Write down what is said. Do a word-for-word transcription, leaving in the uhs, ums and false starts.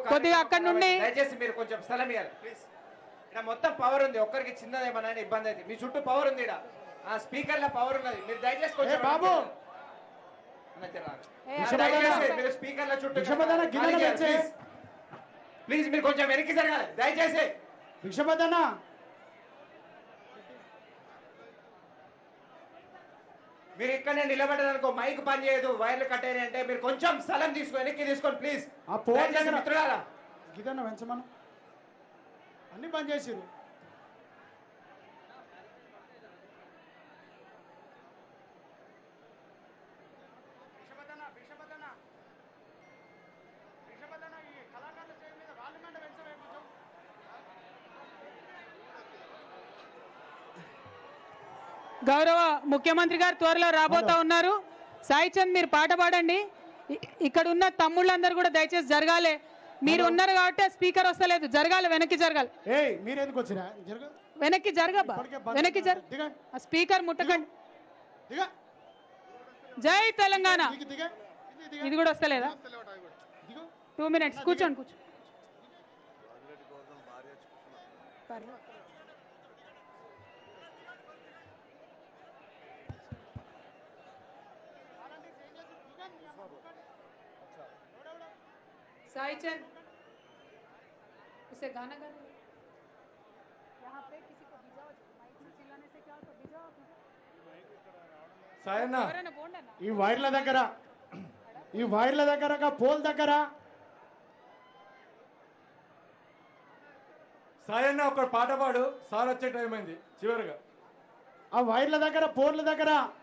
కొద్దిగా అక్కడ నుండి దయచేసి మీరు కొంచెం స్థలం ఇవ్వాలి ప్లీజ్. ఇక్కడ మొత్తం పవర్ ఉంది, ఒక్కరికి చిన్నదేమన్నా ఇబ్బంది అయితే మీ చుట్టూ పవర్ ఉంది, ఇక్కడ ఆ స్పీకర్ లో పవర్ ఉన్నది, మీరు దయచేసి కొంచెం బాబు మీరు స్పీకర్ల చుట్టూ ప్లీజ్ మీరు కొంచెం వెనక్కి జరగాలి దయచేసి. భిక్షపదన్న మీరు ఇక్కడనే నిలబడ్డారనుకో మైక్ పని చేయదు, వైర్లు కట్టేది అంటే మీరు కొంచెం స్థలం తీసుకుని వెనక్కి తీసుకోండి ప్లీజ్. ఆ ఫోన్ మిత్రులారా గిదన్న వెంచమను అన్ని పని చేసిరు. గౌరవ ముఖ్యమంత్రి గారు త్వరలో రాబోతా ఉన్నారు. సాయి చంద్ మీరు పాట పాడండి. ఇక్కడ ఉన్న తమ్ముళ్ళందరూ కూడా దయచేసి జరగాలి. మీరు ఉన్నారు కాబట్టి స్పీకర్ వస్తలేదు, జరగాలి, వెనక్కి జరగాలి. వెనక్కి జరగబ్బా, వెనక్కి జరగ, స్పీకర్ ముట్టకండి. జై తెలంగాణ. ఇది కూడా వస్తలేదా? టూ మినిట్స్ కూర్చోండి కూర్చో. साई चंद उसे गाना गा दो यहाँ पे, किसी को भिजाओ, माइक से चिल्लाने से क्या होता, भिजाओ. సాయన్న ఈ వైర్ల దగ్గర ఈ వైర్ల దగ్గర పోల్ దగ్గర సాయన్న ఒక పాట పాడు, సార్ వచ్చే టైం అయింది చివరిగా. ఆ వైర్ల దగ్గర పోర్ల దగ్గర